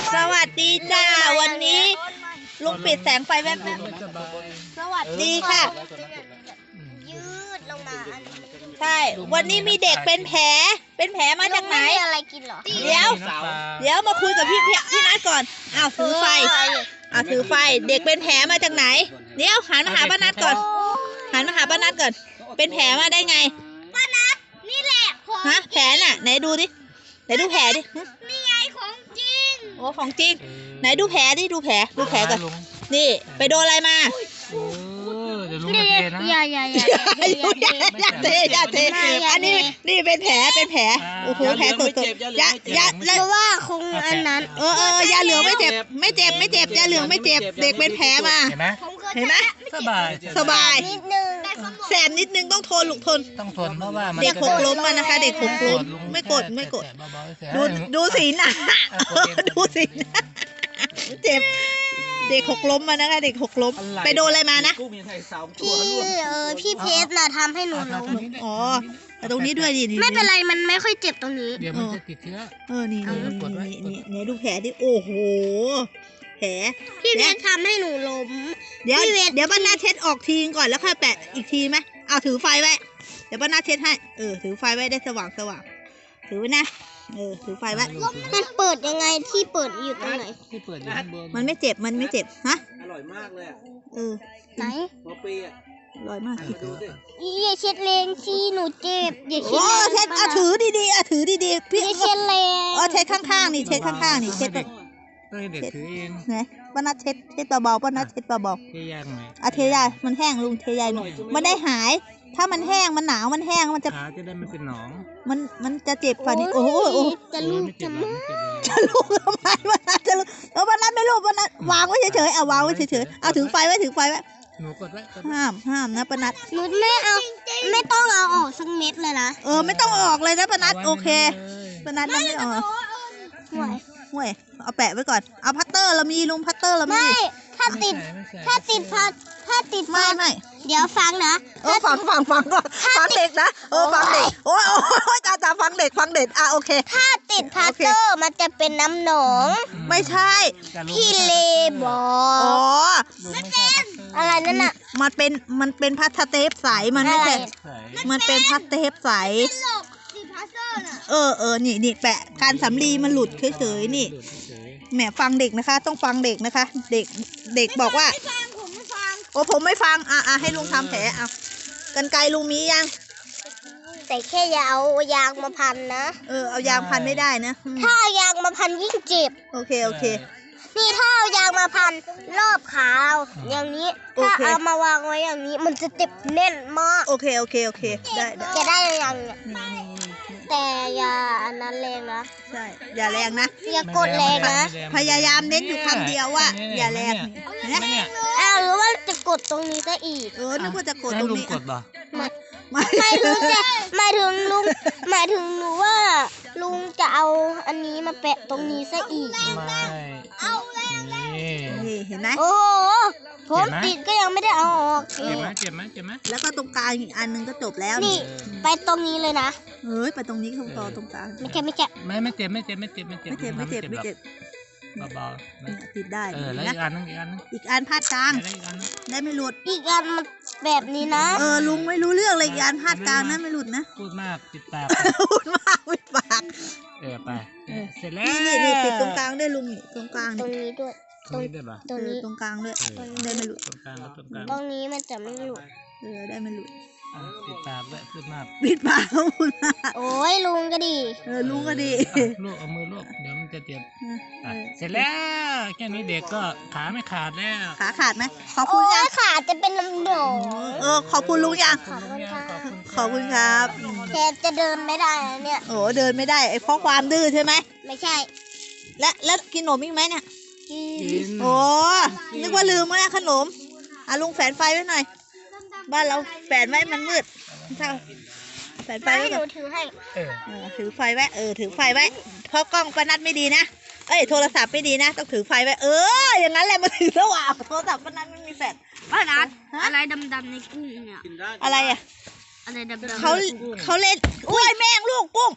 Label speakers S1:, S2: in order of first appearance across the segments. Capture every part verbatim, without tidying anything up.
S1: สวัสดีจ้าวันนี้ลุงปิดแสงไฟแป๊บๆสวัสดีค่ะ
S2: ยืดลงมาอันนี้
S1: ใช่วันนี้มีเด็กเป็นแผลเป็นแผลมาจากไหน
S2: อะไรกินเหรอ
S1: เดี๋ยวเดี๋ยวมาคุยกับพี่พี่นัทก่อนอ้าวถือไฟอ้าวถือไฟเด็กเป็นแผลมาจากไหนเดี๋ยวหันมาหาป้านัทก่อนหันมาหาป้านัทก่อนเป็นแผลมาได้ไง
S2: ป้านัทนี่แหละ
S1: ฮะแผลน่ะไหนดูดิไหนดูแผลดิ
S2: นี่ไงของจริง
S1: โอ้ของจริงไหนดูแผลดิดูแผลดูแผลก่อนนี่ไปโดนอะไรมา
S3: เดี๋ยวลุงจะเทนะ
S2: อย่าอย่าอย่า
S1: อย่าเทอย่าเทอันนี้นี่เป็นแผลเป็นแผลโอ้โหแผลสดสดอย่าอย่า
S2: เพราะว่าคงอันนั้น
S1: เออเออยาเหลืองไม่เจ็บไม่เจ็บไม่เจ็บยาเหลืองไม่เจ็บเด็กเป็นแผลมา
S3: เห็นไหม
S1: เห็นไหม
S3: สบาย
S1: สบาย
S2: นิดนึง
S1: แสบนิดนึงต้องทนลูกทน
S3: ต้องทนเพราะว่า
S1: เด็กหกล้มมานะคะเด็กหกล้มไม่กดไม่กดดูดูสีหน้าดูสีหน้าเจ็บเด็กหกล้มมานะคะเด็กหกล้มไปโดนอะไรมานะ
S2: พี่เออพี่เพชรน่ะทำให้หนูล้ม
S1: อ๋อแต่ตรงนี้ด้วยดิ
S2: ไม่เป็นไรมันไม่ค่อยเจ็บตรงนี้
S3: เดี๋ยวมันจะติดเชื้อ
S1: เออนี่นี่นี่นี่ดูแผลดิโอ้โหแผล
S2: พี่เพชรทำให้หนูล้ม
S1: เดี๋ยวเดี๋ยวป้านาเช็ดออกทีก่อนแล้วค่อยแปะอีกทีไหมเอาถือไฟไว้เดี๋ยวป้านาเช็ดให้เออถือไฟไว้ได้สว่างสว่างถือไว้นะเออถือไฟไว้
S2: มันเปิดยังไงที่เปิดอยู่ตรงไหน
S3: ที่เปิดอยู่ข้างบน
S1: มันไม่เจ็บมันไม่เจ็บฮะ
S4: อร่อยมากเลย
S1: เออ
S2: ไหน
S4: หัวปีอ่ะ
S1: อร่อยมาก
S2: อย่าเช็ดแรงที่หนูเจ็บอย่าเช็ด
S1: โอ้เช็ดอ่ะถือดีๆอ่ะถือดีๆพี่
S2: อย่าเช็ดแรง
S1: อ๋อเช็ดข้างๆนี่เช็ดข้างๆนี่เช็ด
S3: ต้องให้เด็กถือเอง
S1: ไหนป้านัทเช็ดเช็ดเบาๆป้านัทเช็ดเบา
S3: ๆเทยายไหม
S1: อ่ะเทยายมันแห้งลุงเทยายมันได้หายถ้ามันแห้งมันหนาวมันแห้งมันจะ
S3: ขาจะได้ไม่เป็นหนอง
S1: มันมันจะเจ็บฝ่านี้โอ้โห
S2: จะลูกจะลูก
S1: จะลูกทำไมป้านัทจะลูกเออป้านัทไม่ลูกป้านัทวางไว้เฉยๆเอาวางไว้เฉยๆเอาถือไฟไว้ถือไฟไว้
S3: หนูกดไว้
S1: ห้ามห้ามนะป้านัท
S2: หนูไม่เอาไม่ต้องเอาออกสักเม็ดเลยนะ
S1: เออไม่ต้องออกเลยนะป้านัทโอเคป้านัทไม่ออก
S2: ห่วย
S1: ห่วยเอาแปะไว้ก่อนเอาพัตเตอร์เรามีลุงพัตเตอร์เรามี
S2: ไม่ถ้าติดถ้าติดพัดถ้าติด
S1: ไม่ไม่
S2: เดี๋ยวฟังนะ
S1: เออฟังฟังฟังก่อนฟังเด็กนะเออฟังเด็กโอ้ยโอ้ยจ้าจ้าฟังเด็กฟังเด็กอ่ะโอเค
S2: ถ้าติดพัตเตอร์มันจะเป็นน้ำหนอง
S1: ไม่ใช่
S2: พี่เลบอก
S1: อ๋อ
S2: ไม่เป็นอะไรนั่นน่ะ
S1: มันเป็นมันเป็นพลาสเตปใสมันไม่ใช่มันเป็นพลาสเตปใสเออเออนี่นี่แปะการสำลีมันหลุดเฉยๆนี่แหมฟังเด็กนะคะต้องฟังเด็กนะคะ เด็กเด็กบอกว่าโอ้ผมไม่ฟังอ่ะอ่ะให้ลุงทำแผลเอากันไกลลุงมียัง
S2: แต่แค่อย่าเอายางมาพันนะ
S1: เออเอายางพันไม่ได้นะ
S2: ถ้าเอายางมาพันยิ่งเจ็บ
S1: โอเคโอเค
S2: นี่ถ้าเอายางมาพันรอบขาอย่างนี้ถ้าเอามาวางไว้อย่างนี้มันจะเจ็บแน่นมาก
S1: โอเคโอเคโอเคได้ได้
S2: จะได้ยังเนี่ยแต่อย่าอันนั้นแรงนะ
S1: ใช่อย่าแรงนะ
S2: อย่ากดแรงนะ
S1: พยายามเน้นอยู่คำเดียวว่าอย่าแรง
S2: นะอ้าวหรือว่าจะกดตรงนี้ซะอีก
S1: เออนึกว่าจะกดตรงนี้
S2: ไม่ไม่ถึงจะหมายถึงลุงหมายถึงหนูว่าลุงจะเอาอันนี้มาแปะตรงนี้ซะอีก
S3: ไม่
S2: เอาแล้ว
S1: นี่เห็นไหม
S2: โอ้ผมติดก็ยังไม่ได้เอาออก
S3: เจ็บไหมเจ็บไหมเจ็บไหม
S1: แล้วก็ตรงกลางอีกอันนึงก็จบแล้ว
S2: นี่ไปตรงนี้เลยนะ
S1: เฮ้ยไปตรงนี้ตรงต่อตรงกลาง
S2: ไม่เจ็บไม่เจ็บ
S3: ไม่ไม่เจ็บไม่เจ็บไม่เจ็บไม่เจ็บ
S1: ไม่เจ็บไม่เจ็บไม่เจ็บ
S3: เบาๆ
S1: ติดได้
S3: เออแล้วอีกอันนึงอีกอันนึง
S1: อีกอันพาดกลางได้ไม่หลุด
S2: อีกอันมันแบบนี้นะ
S1: เออลุงไม่รู้เรื่องเลยอีกอันพาดกลางนะไม่หลุดนะ
S3: พูดมากปิดปาก
S1: พูดมากปิดปาก
S3: เออไปเสร็จแล้ว
S1: นี่นี่ปิดตรงกลางด้วยลุงตรงกลาง
S2: ตรงนี้ด้วย
S3: ตรงนี้ด้วยป่ะ
S1: ตรงนี้ตรงกลางด้วยได้ไม่หลุด
S3: ตรงกลางแล้วตรงกลาง
S2: ตรงนี้มันจะไม่หลุด
S1: เออได้ไม่หลุด
S3: ปิดปากด้วยพูดมาก
S1: ปิดปากพูดมาก
S2: โอ้ยลุงก็ดี
S1: เออลุงก็ดี
S3: ลูกเอามือลูกเดี๋ยวมันจะเจ็บเสร็จแล้วแค่นี้เด็กก็ขาไม่ขาดแล้ว
S1: ขาขาดไหมขอบคุณยัง
S2: ขาจะเป็นน้ำหนอง
S1: เออขอบคุณลุงยัง
S2: ขอบคุณครับ
S1: ขอบคุณครับ
S2: แค่จะเดินไม่ได้เนี่ย
S1: โอ้เดินไม่ได้ไอ้เพราะความดื้อใช่ไหม
S2: ไม่ใช่
S1: และแล้วกินขนมอีกไหมเนี่ย
S3: กิน
S1: โอ้นึกว่าลืมแล้วขนมอ่ะลุงแฝนไฟไว้หน่อยบ้านเราแฝนไว้มันมืดถ้าแฝนไฟไว้ก่อน
S2: ถือให้
S3: เออ
S1: ถือไฟไว้เออถือไฟไว้เพราะกล้องปนัดไม่ดีนะเอ้ยโทรศัพท์ไม่ดีนะต้องถือไฟไว้เอออย่างนั้นแหละมาถือระหว่างโทรศัพท์ปนัดไม่มีแฟลช
S2: ปนัดอะไรดำๆในกุ้งเนี่ย
S1: อะไรอ่ะ
S2: อะไรดำๆ
S1: เขาเขาเล่นอุ้ยแมงลูกกุ้ง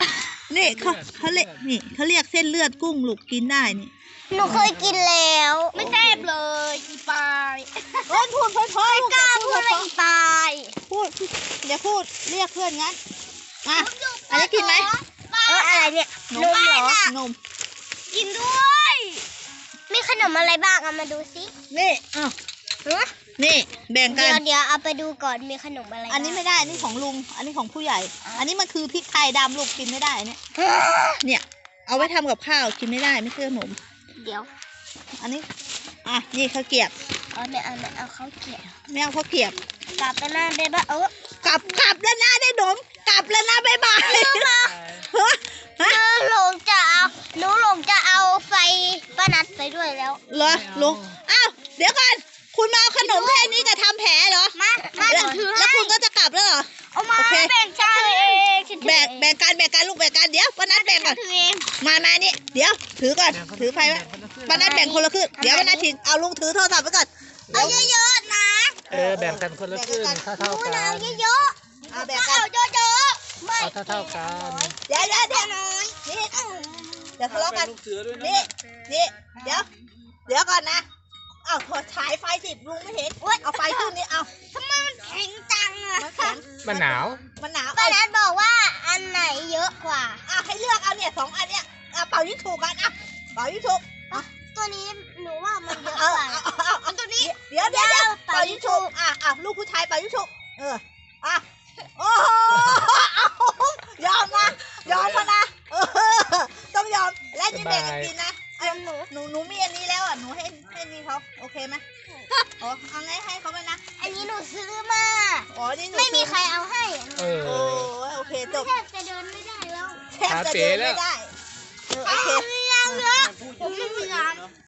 S1: นี่เขาเขาเรียกนี่เขาเรียกเส้นเลือดกุ้งลูกกินได้นี่
S2: หนูเคยกินแล้วไม่แซ่บเลยอีปาย
S1: โอ้ยพูดเพราะๆลูก
S2: ก
S1: อย่า
S2: ล้า
S1: พู
S2: พู
S1: ด
S2: ด
S1: เพ
S2: เลย
S1: ราะ
S2: อีปาย
S1: ๆพูดอย่าพูดเรียกเพื่อนงั้นอ่ะอันนี้กินไหม
S2: เอออะไรเนี่ยนมเหรอน
S1: ม
S2: กินด้วยมีขนมอะไรบ้างเอามาดูสิ
S1: นี่อ้าวนี่แบ่งกั
S2: เดี๋ยวน เดี๋ยวเอาไปดูก่อนมีขนมอะไรบ้าง
S1: อันนี้ไม่ได้อันนี้ของลุงอันนี้ของผู้ใหญ่ อันนี้มันคือพริกไทยดำลูกกินไม่ได้เนี่ยเนี่ยเอาไว้ทำกับข้าวกินไม่ได้ไม่ใช่ขนม
S2: เดี๋ยว
S1: อันนี้อ่ะนี่ข้าวเกรียบ
S2: เอาไม่เอาไม่เอาเขาเกลี่ย
S1: ไม่เอาข้าวเกรียบ
S2: กลับไปหน้าเบบ้าเออก
S1: ลับกลับแล้วนะได้หนมกลับแล้วนะบ๊ายบายฮะฮะ
S2: หลงจะเอาหนูหลงจะเอาไฟป้านัดไปด้วยแล้ว
S1: เหรอลุงอ้าวเดี๋ยวก่อนคุณมาเอาขนมแค่นี้กับทำแผลเหรอ
S2: มามา
S1: แล้ว
S2: ถือ
S1: แล้วคุณก็จะกลับแล้วเหรอ
S2: เอามา
S1: โอเค
S2: แบ่งกันเอง
S1: แบ่งแบ่งกันแบ่งกันลูกแบ่งกันเดี๋ยวป้านัดแบ่งก่อน
S2: ถือเอง
S1: มามานี่เดี๋ยวถือก่อนถือไฟไว้ป้านัดแบ่งคนละครึ่งเดี๋ยวป้านัดถือเอาลุงถือโทรศัพท์ไว้ก่อน
S2: เอาเยอะๆนะ
S3: เออแบ่งกันคนละครึ่งเท่าเท่า
S2: หนู
S3: ๆกั
S2: นะ
S3: น
S2: เอาเยอะ
S1: เอา
S2: ๆ
S1: แบ่ง
S2: เอา
S1: กัน
S2: เยอะๆไม่
S3: เอาเท่าเท่าๆกัน
S1: เดี๋ยวเดี๋ยวเดี๋ยว
S2: น้อย
S1: นี่เดี๋ยวทะเลาะกันนี่นี่เดี๋ยวเดี๋ยวก่อนนะเอาถอดฉายไฟสิลุงไม่เห็นเอาไฟขึ้นนี่เอา
S2: ทำไมมันแข็งจังอะ
S1: มันแข็ง
S3: มันหนาว
S1: มันหนาว
S2: ป้า
S1: เอา
S2: นัดบอกว่าอันไหนเยอะกว่า
S1: เอาให้เลือกเอาเนี่ยสองอันเนี่ยเอาเป่ายิงถูกกันเอาเป่ายิงถูก
S2: ตัวนี้หนูว่ามันเยอะ
S1: เอา
S2: กว่า
S1: เอาเอาเอาตัวนี้เดี๋ยวเดี๋ยวเดี๋ยวเป่ายิงถูกอ่ะอ่ะลูกผู้ชายเป่ายิงถูกเอออ่ะโอ้โหเอายอมนะยอมมานะเออต้องยอมและนี่แบ่งกันกินนะเอาหนูหนูหนูมีอันนี้แล้วอ่ะหนูให้ให้นี่เขาโอเคไหมอ๋อเอาไงให้เขาไปนะ
S2: อันนี้หนูซื้อมา
S1: อ๋อนี่หนู
S2: ไม่มีใครเอาให้
S3: เออ
S1: โอ้ยโอเคจบ
S2: แทบจะเดินไม่ได้แล้ว
S1: แทบจะเดินไม่ได้เออโอเค
S2: เอาเรื่องเยอะ